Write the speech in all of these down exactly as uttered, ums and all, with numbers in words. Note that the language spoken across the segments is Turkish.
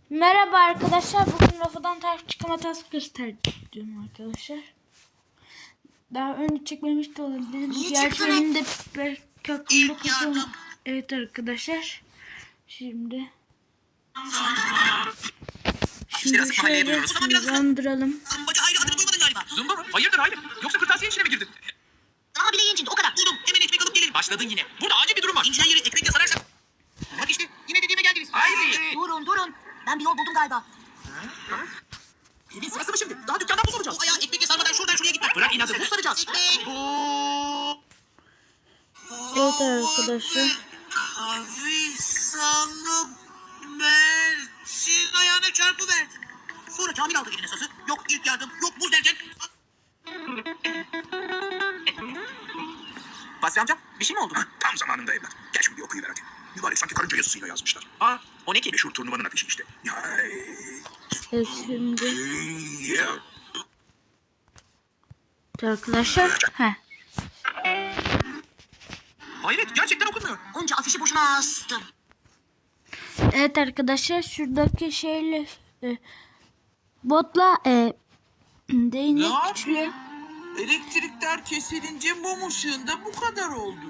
Merhaba arkadaşlar. Bugün rafadan tarif çıkma hatası göstereceğim arkadaşlar. Daha önce çekmemiş de olabilirim. Diğerlerinde belki aklımda kalıyor. Evet arkadaşlar. Şimdi Şimdi şöyle hızlandıralım. Zımbacı Hayri adını duymadın galiba. Zımba mı? Hayırdır Hayri? Yoksa kırtasiye işine mi girdin? Daha bile incindi o kadar. Buldum. Hemen ekmek alıp gelelim. Başladın yine. Burada acil bir durum var. İncinen yeri ekmekle sararsak. Bak işte yine dediğime geldiniz. Hayri. Durun durun. Ben bir yol buldum galiba. Evin sırası mı şimdi? Daha dükkanda buz olacağız. O ayağı ekmekle sarmadan şuradan şuraya gitmek. Bırak inadı. Buz saracağız. Ekmek. Evet arkadaşlar. Hafif sandım. Mert'in ayağına çarpıverdi. Sonra Kamil aldı eline sası. Yok ilk yardım, yok buz derken. Basri amca bir şey mi oldu? Tam zamanında evlat. Gel şimdi bir okuyuver hadi. Mübarek sanki karınca yazısıyla yazmışlar. Aa o ne ki? Meşhur turnuvanın afişi işte. Ya, Evet şimdi ya. arkadaşlar. Heh. Hayret gerçekten okunmuyor. Onca afişi boşuna astım. Evet arkadaşlar şuradaki şeyle e, botla e, değnek Ne güçlü. yapayım? Elektrikler kesilince mum ışığında bu kadar oldu.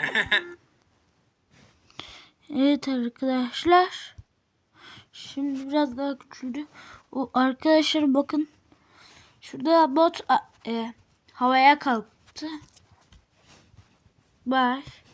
Evet arkadaşlar. Şimdi biraz daha küçüldü. O arkadaşlar bakın. Şurada bot a- e, havaya kalktı. Bak.